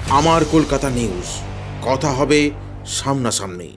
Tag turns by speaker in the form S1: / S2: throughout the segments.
S1: আমার কলকাতা নিউজ, কথা হবে সামনাসামনি।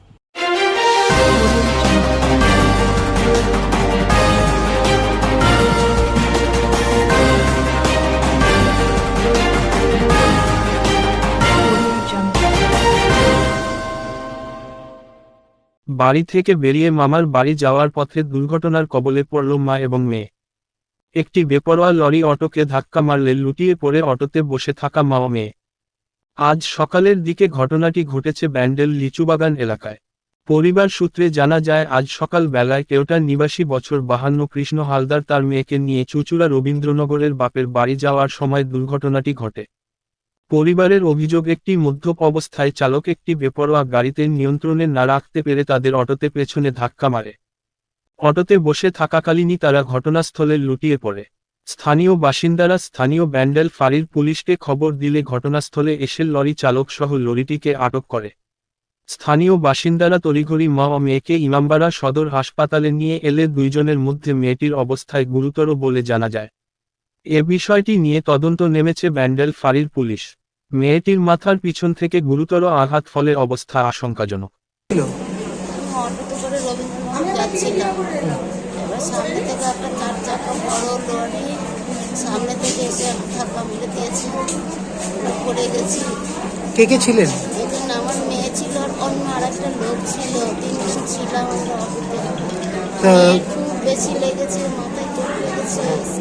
S2: বাড়ি থেকে বেরিয়ে মামার বাড়ি যাওয়ার পথে দুর্ঘটনার কবলে পড়ল মা এবং মেয়ে। একটি বেপরোয়া লরি অটোকে ধাক্কা মারলে লুটিয়ে পড়ে অটোতে বসে থাকা মা ও মেয়ে। আজ সকালের দিকে ঘটনাটি ঘটেছে ব্যান্ডেল লিচুবাগান এলাকায়। পরিবার সূত্রে জানা যায়, আজ সকাল বেলায় কেওটার নিবাসী বছর 52 কৃষ্ণ হালদার তার মেয়েকে নিয়ে চুঁচুড়া রবীন্দ্রনগরের বাপের বাড়ি যাওয়ার সময় দুর্ঘটনাটি ঘটে। পরিবারের অভিযোগ, একটি মদ্যপ অবস্থায় চালক একটি বেপরোয়া গাড়িতে নিয়ন্ত্রণে না রাখতে পেরে তাদের অটোতে পেছনে ধাক্কা মারে। অটোতে বসে থাকাকালীনই তারা ঘটনাস্থলে লুটিয়ে পড়ে। স্থানীয় ব্যান্ডেল ফাঁড়ির পুলিশকে খবর দিলে ঘটনাস্থলে এসে লরি চালক সহ লরিটিকে আটক করে। স্থানীয় বাসিন্দারা তড়িঘড়ি মা ও মেয়েকে ইমামবাড়া সদর হাসপাতালে নিয়ে এলে দুইজনের মধ্যে মেয়েটির অবস্থায় গুরুতর বলে জানা যায়। এ বিষয়টি নিয়ে তদন্ত নেমেছে ব্যান্ডেল ফাঁড়ির পুলিশ। মেয়েটির মাথার পিছন থেকে গুরুতর আঘাত ফলে অবস্থা আশঙ্কাজনক।
S3: অটোতে করে রবীন্দ্রনগর যাচ্ছিলাম, এবার সামনে থেকে একটা 4 চাকা বড় লরি সামনে থেকে এসে ধাক্কা মেরে দিয়েছে, পড়ে গেছি।
S4: কে কে ছিলেন?
S3: এখানে আমার মেয়ে ছিল আর অন্য আরেকটা লোক ছিল, 3 জন ছিলাম আমরা অটোতে। খুব বেশি লেগেছে, মাথায় চোট লেগেছে,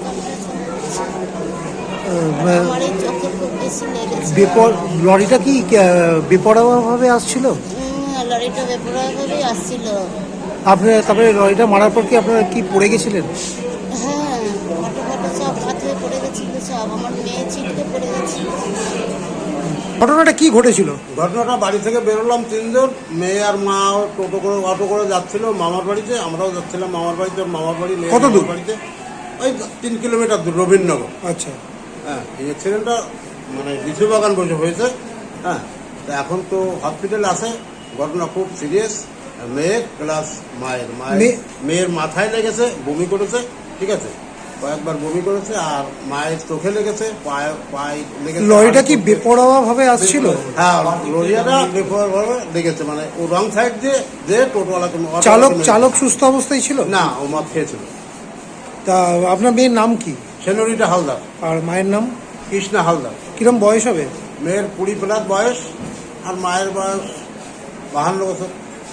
S3: আমার এই চোখে খুব বেশি লেগেছে।
S4: লরিটা কি বেপরোয়াভাবে আসছিল?
S3: লরিটা বেপরোয়াভাবেই আসছিল।
S4: তারপরে লরিটা মারার পর কি আপনারা কি পড়ে গেছিলেন?
S3: হ্যাঁ, ফটো সব হাত হয়ে পড়ে গেছিল, সব আমার মেয়ে ছিটকে পড়ে গেছিল।
S4: ঘটনাটা কি ঘটেছিল?
S5: ঘটনাটা, বাড়ি থেকে বেরোলাম 3 জন, মেয়ে আর মা অটো করে যাচ্ছিল মামার বাড়িতে। আমরাও যাচ্ছিলাম মামার বাড়িতে। মামার বাড়ি
S4: কত দূর?
S5: বাড়িতে ওই 3 কিলোমিটার দূর, রবীন্দ্রনগর।
S4: আচ্ছা।
S5: হ্যাঁ, এই অ্যাক্সিডেন্টটা মানে লিচুবাগান বসে হয়েছে। হ্যাঁ, তা এখন তো হসপিটালে আছে। ঘটনা খুব সিরিয়াস। মেয়ে প্লাস মেয়ের মাথায় লেগেছে, বমি করেছে, ঠিক আছে, কয়েকবার বমি করেছে, আর মায়ের চোখে লেগেছে, পায়ে লেগেছে।
S4: লরিটা কি বেপরোয়াভাবে আসছিল?
S5: হ্যাঁ, লরিটা বেপরোয়াভাবে লেগেছে, মানে ও রং সাইড দিয়ে যে টোটোওয়ালাকে।
S4: চালক সুস্থ অবস্থায় ছিল?
S5: না, ও মদ খেয়েছিল।
S4: তা আপনার মেয়ের নাম কি?
S5: সেনরিটা হালদার।
S4: আর মায়ের নাম?
S5: কৃষ্ণা হালদার।
S4: কিরম বয়স হবে?
S5: মেয়ের 20+ বয়স, আর মায়ের বয়স 52 বছর।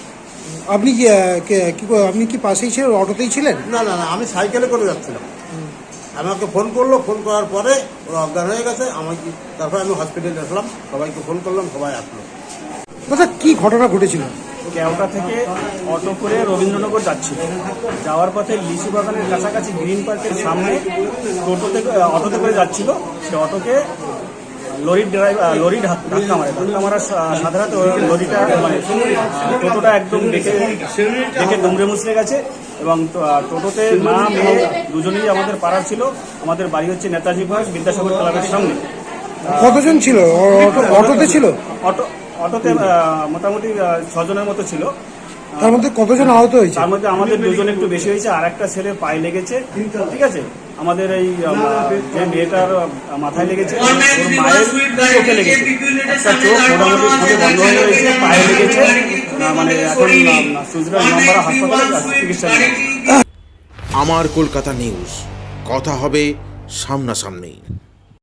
S4: আপনি কি পাশেই ছিলেন, অটোতেই ছিলেন?
S5: না, আমি সাইকেলে করে যাচ্ছিলাম। আমাকে ফোন করলো, ফোন করার পরে ওরা অজ্ঞান হয়ে গেছে। তারপরে আমি হসপিটালে আসলাম, সবাইকে ফোন করলাম, সবাই আসলো।
S4: দাদা, কি ঘটনা ঘটেছিল?
S6: কেওটা থেকে অটো করে রবীন্দ্রনগর যাচ্ছিল। যাওয়ার পথে লিচু বাগানের কাছাকাছি গ্রিন পার্কের সামনে অটোতে করে যাচ্ছিল। সে অটোকে লরি ধাক্কা মারার সাথে সাথে লরিটা মানে টোটোটা একদম দেখে দুমড়ে মুচড়ে গেছে। এবং টোটোতে মা মেয়ে দুজনেই আমাদের পাড়ার ছিল। আমাদের বাড়ি হচ্ছে নেতাজি পার্ক বিদ্যাসাগর ক্লাবের সামনে।
S4: কতজন ছিল অটোতে?
S6: অটোতে মোটামুটি 6 জনের মতো ছিল।
S4: তার মধ্যে কতজন আহত হয়েছে?
S6: তার মধ্যে আমাদের 2 জন একটু বেশি হয়েছে, আর একটা ছেলে পায়ে লেগেছে, ঠিক আছে। আমাদের এই যে মেয়েটার মাথায় লেগেছে, ওর মায়ের চোখে লেগেছে, একটা চোখ মোটামুটি বন্ধ হয়ে রয়েছে, পায়ে লেগেছে, মানে এখন চুঁচুড়া ইমামবাড়া হাসপাতালে চিকিৎসা নিচ্ছে।
S1: আমার কলকাতা নিউজ, কথা হবে সামনাসামনি।